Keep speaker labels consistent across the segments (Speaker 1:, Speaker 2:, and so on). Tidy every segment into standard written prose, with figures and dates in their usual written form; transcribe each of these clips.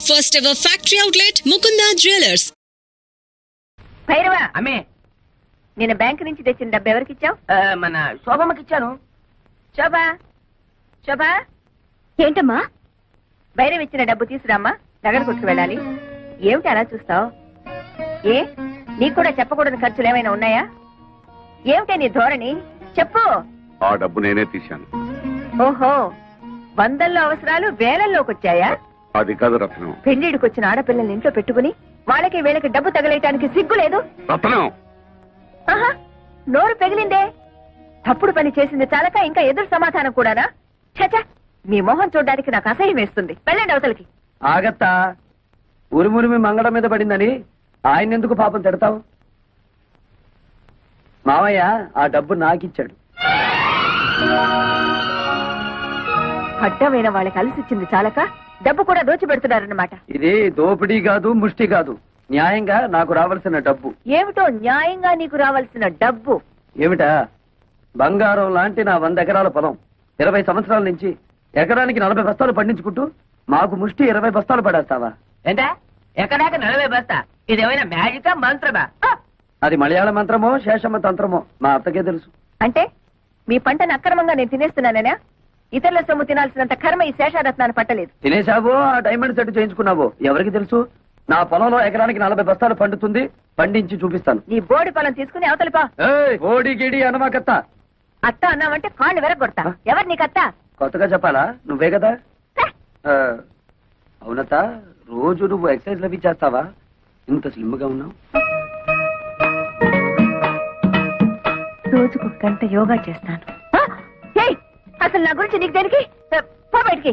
Speaker 1: First ever factory outlet, Mukunda Jewelers.
Speaker 2: భైరవా
Speaker 3: అమ్మే
Speaker 2: నేను బ్యాంక్ నుంచి తెచ్చిన డబ్బు ఎవరికి ఇచ్చావు?
Speaker 3: మన శోభమ్మకి ఇచ్చాను.
Speaker 2: శోభా శోభా ఏంటమ్మా? భైరవ్ ఇచ్చిన డబ్బు తీసురామ్మా, నగర కొట్టుకు వెళ్ళాలి. ఏమిటి అలా చూస్తావు? ఏ నీకు కూడా చెప్పకూడని ఖర్చులు ఏమైనా ఉన్నాయా? ఏమిటే నీ ధోరణి? చెప్పు.
Speaker 4: ఆ డబ్బు నేనే తీశాను.
Speaker 2: ఓహో, వందల్లో అవసరాలు వేలల్లోకి వచ్చాయా?
Speaker 4: అది కాదు రత్నం.
Speaker 2: పెళ్లిడికి వచ్చిన ఆడపిల్లల్ని ఇంట్లో పెట్టుకుని వాళ్ళకి వీళ్ళకి డబ్బు తగలేయటానికి సిగ్గు లేదు?
Speaker 4: రత్నం,
Speaker 2: ఆహా, నోరు పెగిలిందే. తప్పుడు పని చేసింది చాలక ఇంకా ఎదురు సమాధానం కూడానా? చచా, మీ మొహం చూడడానికి నాకు అసహ్యం వేస్తుంది. వెళ్ళండి అవతలకి.
Speaker 3: ఆగత్తా, ఉరుమురిమి మంగళం మీద పడిందని ఆయన ఎందుకు పాపం తిడతావు? మావయ్య ఆ డబ్బు నాకిచ్చాడు.
Speaker 2: అడ్డమైన వాళ్ళకి అలసిచ్చింది చాలక డబ్బు కూడా దోచిపెడుతున్నారన్నమాట.
Speaker 3: ఇది దోపిడీ కాదు, ముష్టి కాదు, న్యాయంగా నాకు రావాల్సిన డబ్బు.
Speaker 2: ఏమిటో న్యాయంగా నీకు రావాల్సిన డబ్బు?
Speaker 3: ఏమిటా? బంగారం లాంటి నా 100 ఎకరాల పొలం 20 సంవత్సరాల నుంచి ఎకరానికి 40 బస్తాలు పండించుకుంటూ మాకు ముష్టి 20 బస్తాలు పడేస్తావా?
Speaker 5: ఏంటా ఎక్కడాక 40 బస్తా? ఇదేమైనా మ్యాజికా మంత్రమా?
Speaker 3: అది మలయాళ మంత్రమో శేషమ్మ తంత్రమో మా అత్తకే తెలుసు.
Speaker 2: అంటే మీ పంటను అక్రమంగా నేను తినేస్తున్నానేనా? ఇతరుల సొమ్ము తినాల్సినంత కర్మ ఈ శేషారత్నాన్ని పట్టలేదు.
Speaker 3: తినేశావో ఆ డైమండ్ సెట్ చేయించుకున్నావో ఎవరికి తెలుసు? నా పొలంలో ఎకరానికి 40 బస్తాలు పండుతుంది, పండించి చూపిస్తాను.
Speaker 2: నీ బోడి పొలం తీసుకుని అవతలిపా.
Speaker 3: ఓడి గిడి అనమాకత్త.
Speaker 2: అత్త అన్నావంటే కాళ్ళు వెరగొడతా. ఎవరు నీకత్త?
Speaker 3: కొత్తగా చెప్పాలా? నువ్వే కదా. అవునత్త, రోజు నువ్వు ఎక్సర్సైజ్ లవి చేస్తావా? ఇంత స్లిమ్ గా ఉన్నావు.
Speaker 2: రోజుకు గంట యోగా చేస్తాను. అసలు నా గురించి నీకు దేనికి? పో బయటికి.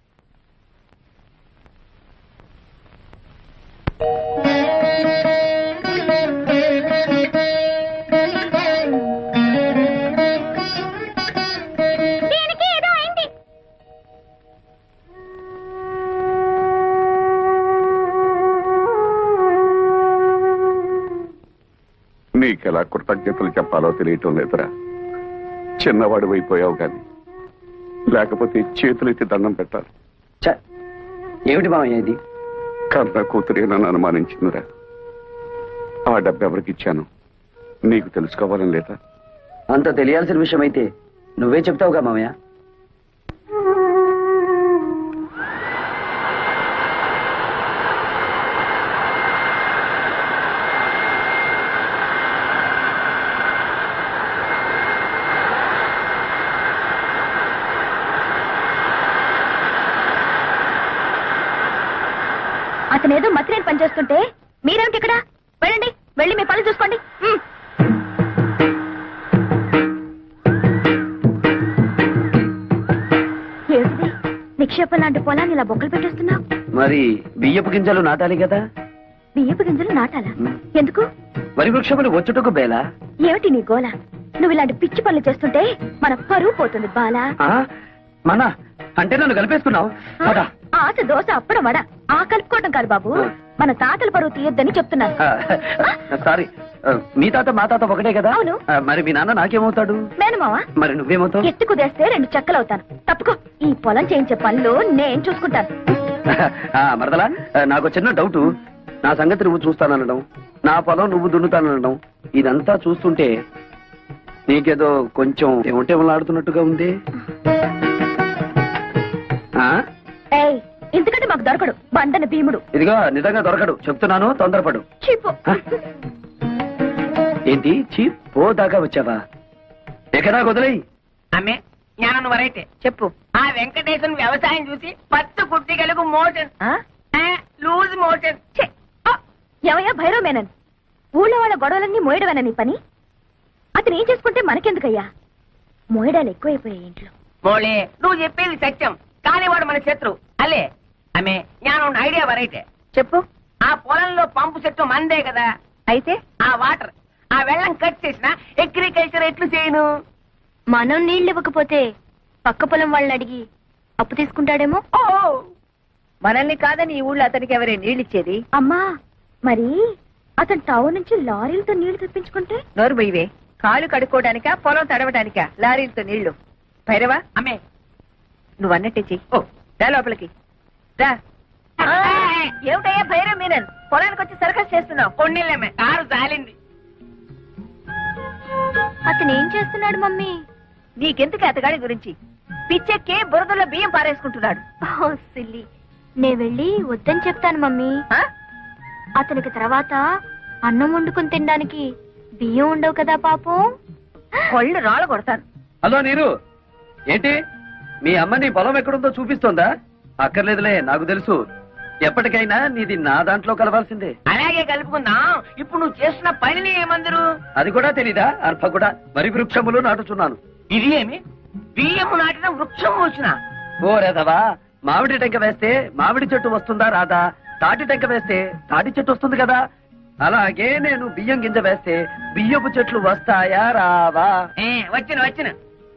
Speaker 4: నీకెలా కృతజ్ఞతలు చెప్పాలో తెలియటం లేదురా. చిన్నవాడు అయిపోయావు గాని, లేకపోతే చేతులెత్తి దండం పెట్టాలి.
Speaker 3: ఏమిటి మామయ్య ఇది?
Speaker 4: కన్న కూతురే నన్ను అనుమానించిందిరా. ఆ డబ్బు ఎవరికి ఇచ్చాను నీకు తెలుసుకోవాలని లేదా?
Speaker 3: అంత తెలియాల్సిన విషయం అయితే నువ్వే చెప్తావుగా మామయ్య.
Speaker 2: అతనేదో మత్రేని పనిచేస్తుంటే మీరేమిటి ఇక్కడ? వెళ్ళండి, వెళ్ళి మీ పనులు చూసుకోండి. ఏమిటి నిక్షేపం లాంటి పొలాన్ని ఇలా బొక్కలు పెట్టేస్తున్నావు?
Speaker 3: మరి బియ్యపు గింజలు నాటాలి కదా.
Speaker 2: బియ్యపు గింజలు నాటాలా? ఎందుకు?
Speaker 3: వరి వృక్షములు వచ్చుటకు బేలా.
Speaker 2: ఏమిటి నీ గోల? నువ్వు ఇలాంటి పిచ్చి పనులు చేస్తుంటే మన పరువు పోతుంది బాలా.
Speaker 3: మన అంటే నన్ను కలిపేసుకున్నావు.
Speaker 2: ఆశ దోశ అప్పడం వడ ఆ కలుపుకోవడం కాదు బాబు, మన తాతల పరువు తీయొద్దని చెప్తున్నాను.
Speaker 3: సారీ, మీ తాత మా తాత ఒకటే కదా.
Speaker 2: అవును.
Speaker 3: మరి మీ నాన్న నాకేమవుతాడు?
Speaker 2: మేనమావా.
Speaker 3: మరి నువ్వేమవుతావు?
Speaker 2: ఎత్తు కుదేస్తే 2 చెక్కలవుతాను. తప్పుకో. ఈ పొలం చేయించే పనులు నేను చూసుకుంటాను.
Speaker 3: మరదలా, నాకు చిన్న డౌట్. నా సంగతి నువ్వు చూస్తాననడం, నా పొలం నువ్వు దున్నుతాననడం, ఇదంతా చూస్తుంటే నీకేదో కొంచెం ఏమంటే ఆడుతున్నట్టుగా ఉంది.
Speaker 2: ఎందుకంటే మాకు దొరకడు బండన భీముడు.
Speaker 3: ఇదిగో నిజంగా దొరకడు, చెప్తున్నాను, తొందరపడు. ఏంటి చీప్ పో దాకా వచ్చావా? ఎక్కడా వదిలేయి.
Speaker 5: అమ్మే జ్ఞానం వరైతే
Speaker 2: చెప్పు.
Speaker 5: ఆ వెంకటేశ్వర వ్యవసాయం చూసి 10 కుట్టిగలకు మోషన్ లూజ్ మోషన్.
Speaker 2: ఎవయ్యా భైరవ్ మేనన్? ఊళ్ళో వాళ్ళ గొడవలన్నీ మోయడమేనా నీ పని? అతను ఏం చేసుకుంటే మనకెందుకయ్యా? మోయడాలు ఎక్కువైపోయాయి ఇంట్లో.
Speaker 5: మోళే, నువ్వు చెప్పేది సత్యం, కానీ వాడు మన శత్రు అల్లే. అమ్మే జ్ఞానం ఐడియా వరైతే
Speaker 2: చెప్పు.
Speaker 5: ఆ పొలంలో పంపు చెట్టు మందే కదా.
Speaker 2: అయితే
Speaker 5: ఆ వాటర్, ఆ వెళ్ళం కట్ చేసిన అగ్రికల్చర్ ఎట్లు చేయను?
Speaker 2: మనం నీళ్ళు ఇవ్వకపోతే పక్క పొలం వాళ్ళని అడిగి అప్పు తీసుకుంటాడేమో. మనల్ని కాదని ఈ ఊళ్ళో అతనికి ఎవరే నీళ్ళిచ్చేది? అమ్మా, మరి అతను టౌన్ నుంచి లారీలతో నీళ్లు తెప్పించుకుంటే? నోరు బొయ్యవే. కాలు కడుక్కోవడానికా పొలం తడవడానికా లారీలతో నీళ్లు? భైరవా,
Speaker 5: అమ్మే
Speaker 2: నువ్వు అన్నట్టే చెయ్యి. రా లోపలికి రా. ఏమిటయ్యా భైరవ్ మీనన్ పొలానికి వచ్చి సర్కస్ చేస్తున్నావు?
Speaker 5: కొన్నిళ్ళమే కారు జాలింది.
Speaker 2: అతను ఏం చేస్తున్నాడు మమ్మీ? నీకెందుకు అతగాడి గురించి? పిచ్చెక్కి బురదలో బియ్యం పారేసుకుంటున్నాడు. సిల్లి, నే వెళ్ళి వద్దని చెప్తాను మమ్మీ. అతనికి తర్వాత అన్నం వండుకుని తినడానికి బియ్యం ఉండవు కదా పాపం. కొళ్ళు రాళ్ళు కొడతాను.
Speaker 3: హలో నీరు, ఏంటి మీ అమ్మ నీ పొలం ఎక్కడుందో చూపిస్తోందా? అక్కర్లేదులే, నాకు తెలుసు. ఎప్పటికైనా నీది నా దాంట్లో కలవాల్సిందే.
Speaker 5: అలాగే కలుపుకుందాం. ఇప్పుడు నువ్వు చేస్తున్న పనిని ఏమందరు?
Speaker 3: అది కూడా తెలీదా? అర్భ కూడా వరి వృక్షములు నాటుచున్నాను.
Speaker 5: ఇది ఏమి బియ్యము నాటిన వృక్షం వచ్చిన?
Speaker 3: ఓ రేదవా, మామిడి టెంక వేస్తే మామిడి చెట్టు వస్తుందా రాదా? తాటి టెంక వేస్తే తాటి చెట్టు వస్తుంది కదా. అలాగే నేను బియ్యం గింజ వేస్తే బియ్యపు చెట్లు వస్తాయా రావా?
Speaker 5: వచ్చిన వచ్చిన.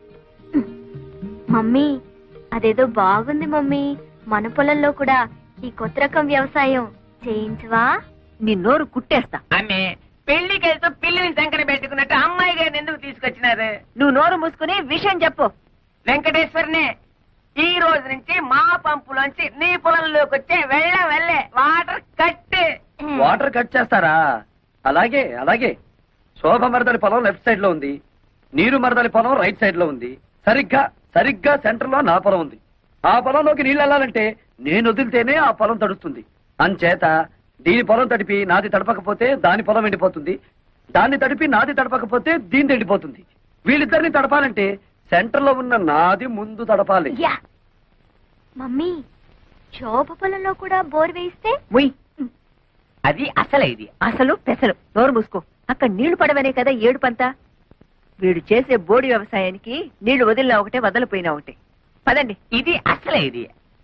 Speaker 2: మమ్మీ, అదేదో బాగుంది మమ్మీ. మన పొలంలో కూడా ఈ కొత్త రకం వ్యవసాయం చేయించవా? నీ నోరు కుట్టేస్తా.
Speaker 5: ఆమె పెళ్లికి వెళ్తూ పిల్లిని సంకర పెట్టుకున్నట్టు అమ్మాయి గారిని ఎందుకు తీసుకొచ్చినారు?
Speaker 2: నువ్వు నోరు మూసుకుని విషయం చెప్పు.
Speaker 5: వెంకటేశ్వరనే, ఈ రోజు నుంచి మా పంపులోంచి నీ పొలంలోకి వచ్చే వెళ్ళే వాటర్ కట్.
Speaker 3: వాటర్ కట్ చేస్తారా? అలాగే అలాగే. శోభ మరదలి పొలం లెఫ్ట్ సైడ్ లో ఉంది, నీరు మరదలి పొలం రైట్ సైడ్ లో ఉంది. సరిగ్గా సెంటర్ లో నా పొలం ఉంది. ఆ పొలంలోకి నీళ్ళు వెళ్ళాలంటే నేను వదిలితేనే ఆ పొలం తడుస్తుంది. అంచేత దీని పొలం తడిపి నాది తడపకపోతే దాని పొలం ఎండిపోతుంది, దాన్ని తడిపి నాది తడపకపోతే దీని ఎండిపోతుంది. వీళ్ళిద్దరిని తడపాలంటే సెంటర్ లో ఉన్న నాది ముందు తడపాలి.
Speaker 2: మమ్మీ, శోభ పొలంలో కూడా బోర్ వేయిస్తే?
Speaker 5: అది అసలే ఇది
Speaker 2: అసలు పెసలు. నోరు మూసుకో. అక్కడ నీళ్లు పడవనే కదా ఏడుపంతా. వీడు చేసే బోడి వ్యవసాయానికి నీళ్లు వదిలినా ఒకటే, వదలిపోయినా ఒకటే. పదండి.
Speaker 5: ఇది అసలే ఇది.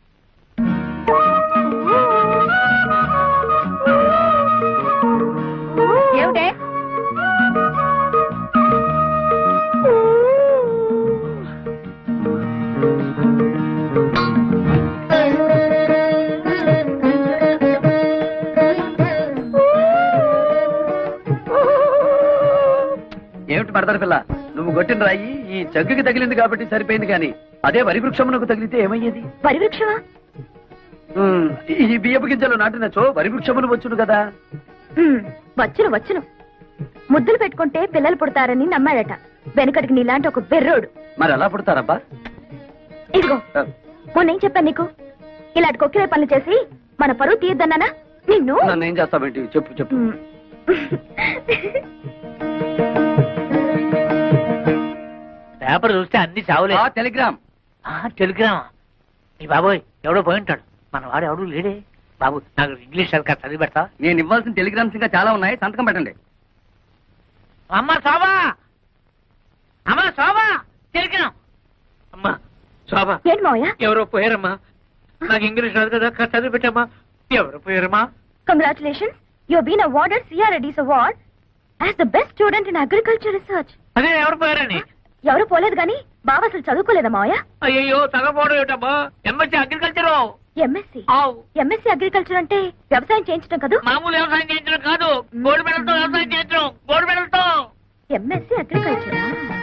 Speaker 2: ఏమిటే?
Speaker 3: ఏమిటి మరదలి పిల్ల, నువ్వు కొట్టిన రాయి ఈ జగ్గుకి తగిలింది కాబట్టి సరిపోయింది, కానీ అదే వరి వృక్షమునకు తగిలితే ఏమయ్యేది?
Speaker 2: వరి వృక్షమా?
Speaker 3: ఈ బియ్యపు గింజలు నాటినచో వరి వృక్షములు వచ్చును కదా.
Speaker 2: వచ్చును. ముద్దులు పెట్టుకుంటే పిల్లలు పుడతారని నమ్మాడట. వెనకటికి నీలాంటి ఒక బెర్రోడు.
Speaker 3: మరి ఎలా పుడతారబ్బా?
Speaker 2: ఇదిగో, మొన్నేం చెప్పాను నీకు? ఇలాంటి కొక్కిరే పనులు చేసి మన పరువు తీయద్దన్నానా నిన్ను?
Speaker 3: నన్ను ఏం చేస్తావేంటి? చెప్పు.
Speaker 5: పేపర్ చూస్తే అన్ని చావులే.
Speaker 3: టెలిగ్రామ్.
Speaker 5: టెలిగ్రామ్. ఈ బాబోయ్, ఎవడో పోయి ఉంటాడు. మన వాడు ఎవడు లేడే. బాబు, నాకు ఇంగ్లీష్ సరిగ్గా చదివి పెడతా.
Speaker 3: నేను ఇవ్వాల్సిన టెలిగ్రామ్స్ ఇంకా చాలా ఉన్నాయి, సంతకం పెట్టండి.
Speaker 5: అమ్మ శోభా, టెలిగ్రామ్. అమ్మా శోభా,
Speaker 2: ఏంటి మావయ్య?
Speaker 5: ఎవరో పోయారమ్మా. నాకు ఇంగ్లీష్ రాదు కదా, చదివి పెట్టమ్మా. ఎవరో పోయారమ్మా.
Speaker 2: Congratulations, you have been awarded CRADS award as the best student in agriculture research.
Speaker 5: అదే ఎవరు పోయారని?
Speaker 2: ఎవరు పోలేదు గాని బావ అసలు చదువుకోలేదా మావయ్య?
Speaker 5: అయ్యో, తగపోవడం ఏమిటమ్మా. MSc agriculture.
Speaker 2: ఎంఎస్సీ అగ్రికల్చర్ అంటే వ్యవసాయం చేయించడం కదా?
Speaker 5: మామూలు వ్యవసాయం చేయించడం కాదు, గోల్డ్ మెడల్ తో వ్యవసాయం చేయించడం. గోల్డ్ మెడల్ తో.
Speaker 2: MSc agriculture.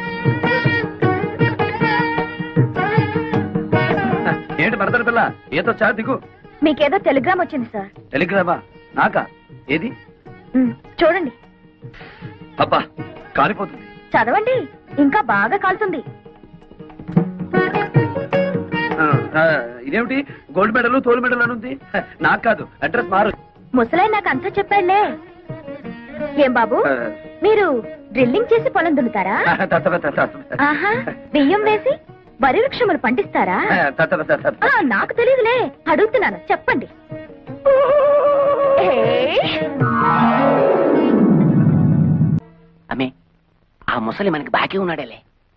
Speaker 3: ఏంటి మరదలి పిల్ల, ఏదో చా దిగు.
Speaker 2: మీకేదో టెలిగ్రామ్ వచ్చింది సార్.
Speaker 3: టెలిగ్రామా? నాకా? ఏది?
Speaker 2: చూడండి.
Speaker 3: అబ్బా, కాలిపోతుంది.
Speaker 2: చదవండి, ఇంకా బాగా కాలుతుంది.
Speaker 3: ఇదేమిటి గోల్డ్ మెడల్ తోలు మెడల్ అని ఉంది? నాకు కాదు, అడ్రస్ మారు.
Speaker 2: ముసలాయి నాకు అంతా చెప్పాడులే. ఏం బాబు, మీరు డ్రిల్లింగ్ చేసి పొలం దున్నుతారా? ఆహా, బియ్యం వేసి వరి వృక్షములు పండిస్తారా? నాకు తెలియదులే, అడుగుతున్నాను, చెప్పండి.
Speaker 5: అమ్మే, ఆ ముసలి మనకి బాకీ ఉన్నాడేలే.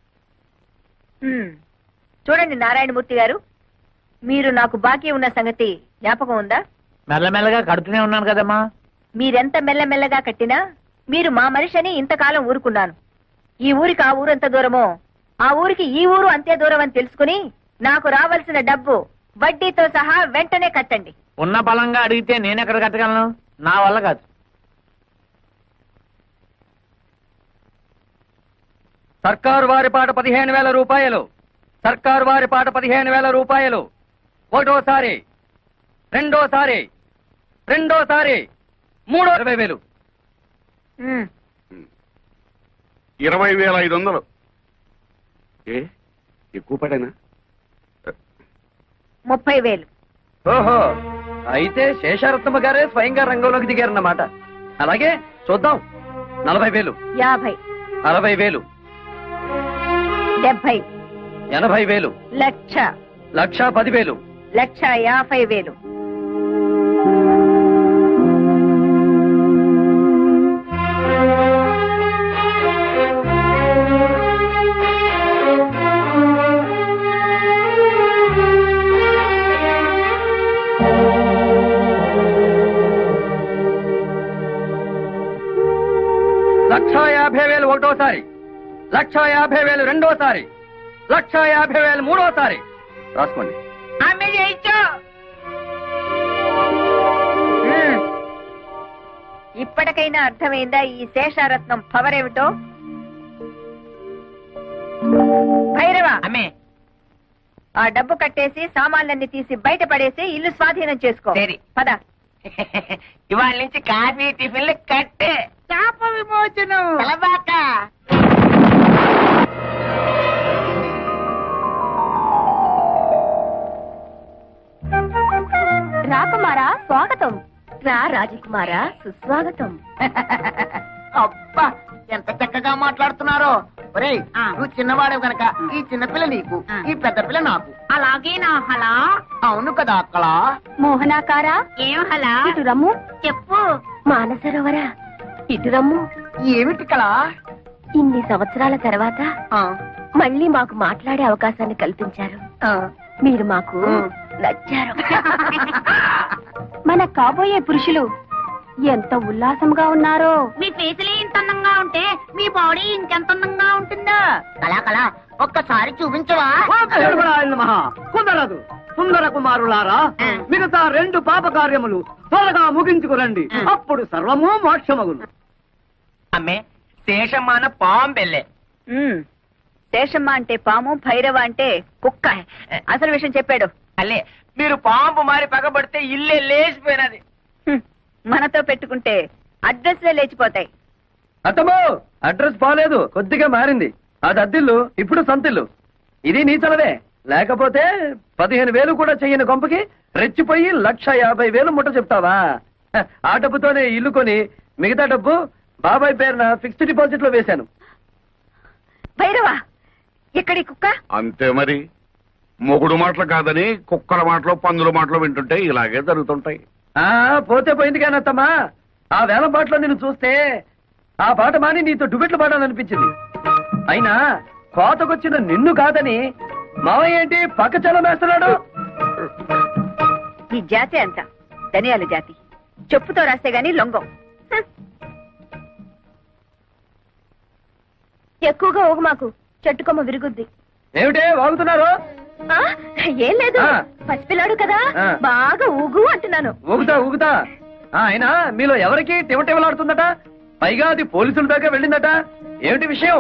Speaker 2: చూడండి నారాయణమూర్తి గారు, మీరు నాకు బాకీ ఉన్న సంగతి జ్ఞాపకం ఉందా?
Speaker 5: మెల్లమెల్లగా కడుతూనే ఉన్నాను కదమ్మా.
Speaker 2: మీరెంత మెల్లమెల్లగా కట్టినా మీరు మా మనిషి అని ఇంతకాలం ఊరుకున్నాను. ఈ ఊరికి ఆ ఊరు ఎంత దూరమో, ఆ ఊరికి ఈ ఊరు అంతే దూరం అని తెలుసుకుని నాకు రావాల్సిన డబ్బు వడ్డీతో సహా వెంటనే కట్టండి.
Speaker 5: ఉన్న బలంగా అడిగితే నేనెక్కడ కట్టగలను? నా వల్ల కాదు.
Speaker 3: సర్కారు వారి పాట 15,000 రూపాయలు. సర్కారు వారి పాట 15,000 రూపాయలు. ఒకటోసారి, రెండోసారి, రెండోసారి 20,000.
Speaker 4: 20,500. ఏ ఎక్కువ పడేనా?
Speaker 2: 30,000.
Speaker 3: ఓహో, అయితే శేషారత్నమ్మ గారే స్వయంగా రంగంలోకి దిగారన్నమాట. అలాగే చూద్దాం. 40,000,
Speaker 2: 50,
Speaker 3: 60,000,
Speaker 2: 70,
Speaker 3: 80,000,
Speaker 2: లక్ష,
Speaker 3: 1,10,000.
Speaker 2: 1,50,000.
Speaker 3: లక్ష 50,000 ఒకటోసారి, 1,50,000 రెండోసారి, 1,50,000 మూడోసారి. రాసుకోండి.
Speaker 5: ఆమె చేయించు.
Speaker 2: ఇప్పటికైనా అర్థమైందా ఈ శేషారత్నం పవర్ ఏమిటో? భైరవ,
Speaker 5: అమ్మే
Speaker 2: ఆ డబ్బు కట్టేసి సామాన్లన్నీ తీసి బయట పడేసి ఇల్లు స్వాధీనం చేసుకో.
Speaker 5: సరే.
Speaker 2: పద.
Speaker 5: ఇవాళ నుంచి కాఫీ టిఫిన్లు కట్టే. శాప విమోచనం. కలబాక.
Speaker 2: రాకుమారా స్వాగతం. రా రాజకుమారా సుస్వాగతం.
Speaker 5: అబ్బా ఎంత చక్కగా మాట్లాడుతున్నారో. ఒరేయ్, నువ్వు చిన్నవాడే గనక ఈ చిన్నపిల్ల నీకు, ఈ పెద్ద పిల్ల నాకు. అలాగే నా హలా. అవును కదా అక్కడ.
Speaker 2: మోహనాకారా
Speaker 5: ఏం హలా?
Speaker 2: ఇటు రమ్ము.
Speaker 5: చెప్పు.
Speaker 2: మానసరోవరా ఇటు రమ్ము.
Speaker 5: ఏమిటి కళ?
Speaker 2: ఇన్ని సంవత్సరాల తర్వాత మళ్ళీ మాకు మాట్లాడే అవకాశాన్ని కల్పించారు. మీరు మాకు నచ్చారు. మన కాబోయే పురుషులు ఎంత ఉల్లాసంగా ఉన్నారో.
Speaker 6: మీ ఫేసులే ఇంత అందంగా ఉంటే మీ బాడీ ఇంకెంత అందంగా ఉంటుందో.
Speaker 5: కళా కళా ఒక్కసారి చూపించవా?
Speaker 3: కుదరదు. సుందర కుమారులారా, మిగతా 2 పాప కార్యములు త్వరగా ముగించుకురండి. అప్పుడు సర్వము మోక్షమగును.
Speaker 5: అమ్మే శేషమాన పాంబెల్లే.
Speaker 2: శేషమ్మ అంటే పాము, భైరవ అంటే కుక్క. అసలు విషయం చెప్పాడు.
Speaker 5: అల్లే మీరు పాంపు మారి పగబడితే ఇల్లే లేచిపోయినది.
Speaker 2: మనతో పెట్టుకుంటే అడ్రస్లే లేచిపోతాయి.
Speaker 3: అత్తమ్మో, అడ్రస్ బాలేదు, కొద్దిగా మారింది. అది అద్దిల్లు, ఇప్పుడు సంతిల్లు. ఇది నీ చలవే. లేకపోతే 15,000 కూడా చెయ్యని కొంపకి రెచ్చిపోయి 1,50,000 ముట్ట చెప్తావా? ఆ డబ్బుతోనే ఇల్లు కొని మిగతా డబ్బు బాబాయ్ పేరున ఫిక్స్డ్ డిపాజిట్ లో వేశాను.
Speaker 2: భైరవ, ఎక్కడి కుక్క?
Speaker 4: అంతే మరి. మొగుడు మాటలు కాదని కుక్కల మాటలు పందుల మాటలు వింటుంటే ఇలాగే జరుగుతుంటాయి.
Speaker 3: పోతే పోయింది కానీ అత్తమ్మా, ఆ వేల పాటలో నిన్ను చూస్తే ఆ పాట మాని నీతో డుబెట్లు పాడాలనిపించింది. అయినా కోతకొచ్చిన నిన్ను కాదని మావయ్య ఏంటి పక్క చలం వేస్తున్నాడు?
Speaker 2: ఈ జాతి అంత ధనియాల జాతి. చెప్పుతో రాస్తే గాని లొంగం. ఎక్కువగా ఊగు మాకు, చెట్టుకొమ్మ విరుగుద్ది.
Speaker 3: ఏమిటే వాగుతున్నారు?
Speaker 2: ఏం లేదు,
Speaker 3: ఆ.
Speaker 2: పసిపిల్లాడు కదా, బాగా ఊగు అంటున్నాను.
Speaker 3: ఊగుతా ఊగుతా. అయినా మీలో ఎవరికి టివటివలాడుతుందట? పైగా అది పోలీసుల దాకా వెళ్ళిందట. ఏమిటి విషయం?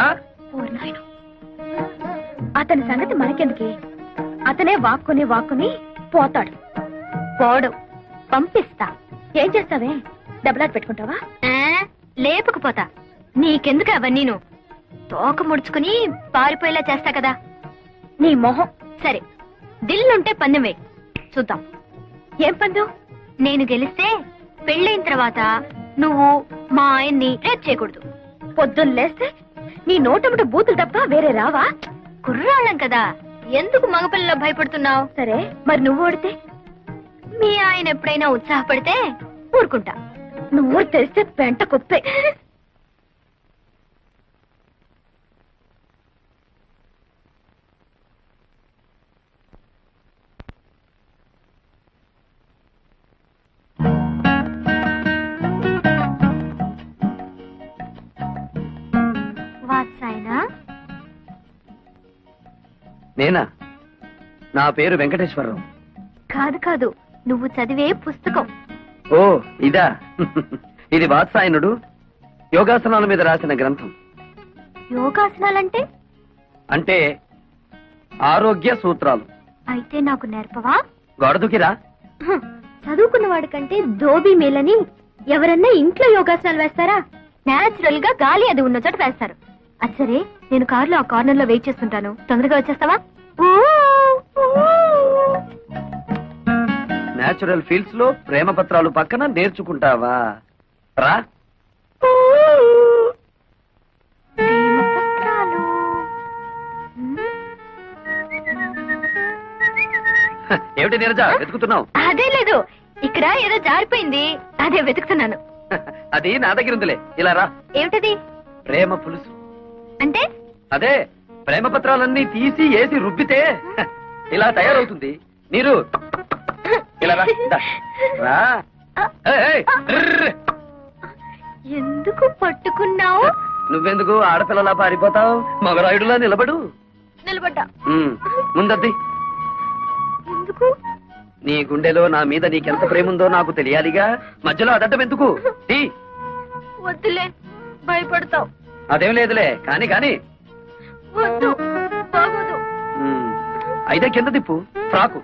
Speaker 2: అతని సంగతి మనకెందుకే? అతనే వాక్కుని పోతాడు. పోడు, పంపిస్తా. ఏం చేస్తావే? డబ్బులాట పెట్టుకుంటావా?
Speaker 6: లేపుకుపోతా. నీకెందుకు అవన్నీను? తోక ముడుచుకుని పారిపోయేలా చేస్తా కదా.
Speaker 2: నీ మొహం.
Speaker 6: సరే, దిల్లుంటే పందెం వేయి, చూద్దాం.
Speaker 2: ఏం పందు?
Speaker 6: నేను గెలిస్తే పెళ్ళైన తర్వాత నువ్వు మా ఆయన్ని రేప్ చేయకూడదు.
Speaker 2: పొద్దున్న లేస్తే నీ నోటముట బూతులు తప్ప వేరే రావా?
Speaker 6: కుర్రాళ్ళం కదా, ఎందుకు మగపిల్లలో భయపడుతున్నావు?
Speaker 2: సరే, మరి నువ్వు ఓడితే?
Speaker 6: మీ ఆయన ఎప్పుడైనా ఉత్సాహపడితే ఊరుకుంటా.
Speaker 2: నువ్వు తెలిస్తే పెంట కుప్పే.
Speaker 6: వాత్సాయనా?
Speaker 3: నేనా? నా పేరు వెంకటేశ్వరరావు.
Speaker 6: కాదు, నువ్వు చదివే పుస్తకం.
Speaker 3: ఓ ఇదా? ఇది వాత్సాయనుడు యోగాసనాల మీద రాసిన గ్రంథం.
Speaker 6: యోగాసనాలంటే?
Speaker 3: అంటే ఆరోగ్య సూత్రాలు.
Speaker 6: అయితే నాకు నేర్పవా?
Speaker 3: గొడదుకిరా.
Speaker 6: చదువుకున్న వాడి కంటే ధోబీ మేలని ఎవరన్నా ఇంట్లో యోగాసనాలు వేస్తారా? నేచురల్ గా గాలి అది ఉన్న చోట వేస్తారు. అచ్చరే, నేను కారులో ఆ కార్నర్ లో వెయిట్ చేస్తుంటాను, తొందరగా వచ్చేస్తావా?
Speaker 3: నేచురల్ ఫీల్డ్స్ లో ప్రేమ పత్రాలు పక్కన నేర్చుకుంటావా? రా.
Speaker 6: ప్రేమపత్రాలు.
Speaker 3: ఏమిటి నీరజ వెతుకుతున్నావు?
Speaker 6: అదే లేదు, ఇక్కడ ఏదో జారిపోయింది, అదే వెతుకుతున్నాను.
Speaker 3: అది నా దగ్గర ఉందిలే, ఇలా రా.
Speaker 6: ఏమిటది?
Speaker 3: ప్రేమ పులుసు.
Speaker 6: అంటే
Speaker 3: అదే ప్రేమ పత్రాలన్నీ తీసి ఏసి రుబ్బితే ఇలా తయారవుతుంది. నీరు ఇలా రా. దా. రా. ఏయ్, ఏయ్, ర్ర్.
Speaker 6: ఎందుకు పట్టుకున్నావు?
Speaker 3: నువ్వెందుకు ఆడపిల్లలా పారిపోతావు? మగరాయుడులా నిలబడు.
Speaker 6: నిలబడ్డా.
Speaker 3: ముందద్ది.
Speaker 6: ఎందుకు?
Speaker 3: నీ గుండెలో నా మీద నీకెంత ప్రేమ ఉందో నాకు తెలియాలిగా. మధ్యలో అదడ్డం ఎందుకు? తీ.
Speaker 6: వద్దులే, భయపడతావు.
Speaker 3: అదేం లేదులే, కాని కాని.
Speaker 6: వద్దు, బాగోదు.
Speaker 3: అయితే కింద తిప్పు. Frock.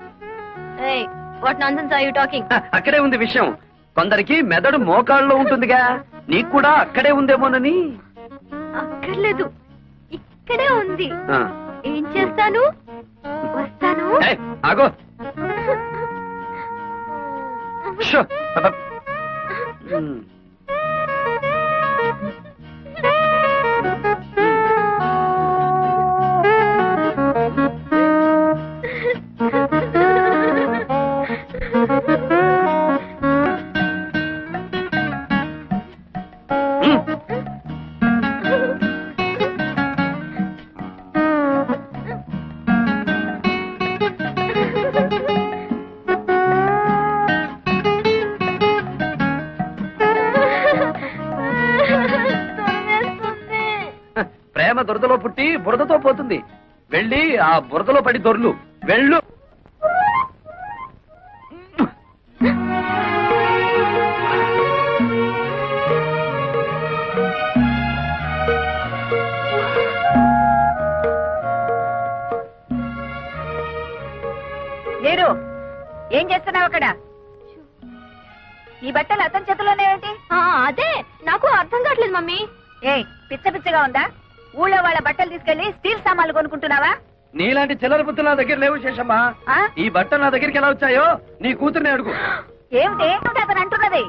Speaker 6: What nonsense are you talking?
Speaker 3: అక్కడే ఉంది విషయం. కొందరికి మెదడు మోకాళ్ళలో ఉంటుందిగా, నీకు కూడా అక్కడే ఉందేమోనని.
Speaker 6: అక్కర్లేదు, ఇక్కడే ఉంది.
Speaker 3: ఆ.
Speaker 6: ఏం చేస్తాను? వస్తాను.
Speaker 3: ఏయ్, ఆగో. షో. మ్. ప్రేమ దురదలో పుట్టి బురదతో పోతుంది. వెళ్ళి ఆ బురదలో పడి దొర్లు. వెళ్ళు.
Speaker 2: లేరు, ఏం చేస్తున్నావు అక్కడ? ఈ బట్టలు అతని చేతిలోనే ఏంటి?
Speaker 6: అదే నాకు అర్థం కావట్లేదు మమ్మీ.
Speaker 2: ఏ పిచ్చ పిచ్చగా ఉందా? ఊళ్ళో వాళ్ళ బట్టలు తీసుకెళ్లి స్టీల్ సామాన్లు కొనుక్కుంటున్నావా?
Speaker 3: నీలాంటి చిల్లర బుద్ధులు నా దగ్గర లేవు శేషమ్మా.
Speaker 2: ఆ?
Speaker 3: ఈ బట్టలు నా దగ్గరికి ఎలా వచ్చాయో నీ కూతుర్ని అడుగు.
Speaker 2: ఏమిటి అతను అంటున్నది?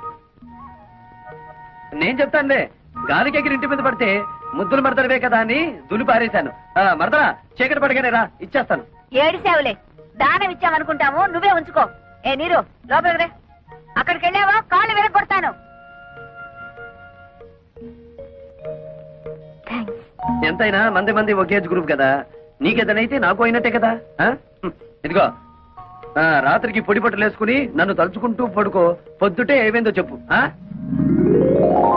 Speaker 3: నేను చెప్తానులే. గాలికి ఎగిరి ఇంటి మీద పడితే ముద్దులు మరదడవే కదా అని దులి పారేశాను. మరదరా, చీకటి పడగానే రా, ఇచ్చేస్తాను.
Speaker 2: ఏడిసావులే, దానం ఇచ్చామనుకుంటాము, నువ్వే ఉంచుకో. ఏ నీరు, లోపలికి రే. అక్కడికి వెళ్ళావా కాళ్ళు విరగొడతాను.
Speaker 3: ఎంతైనా మంది ఒకేజ్ గ్రూప్ కదా. నీకేదనైతే నాకు అయినట్టే కదా. ఇదిగో, రాత్రికి పొడి బట్టలు వేసుకుని నన్ను తలుచుకుంటూ పడుకో. పొద్దుటే ఏమైందో చెప్పు.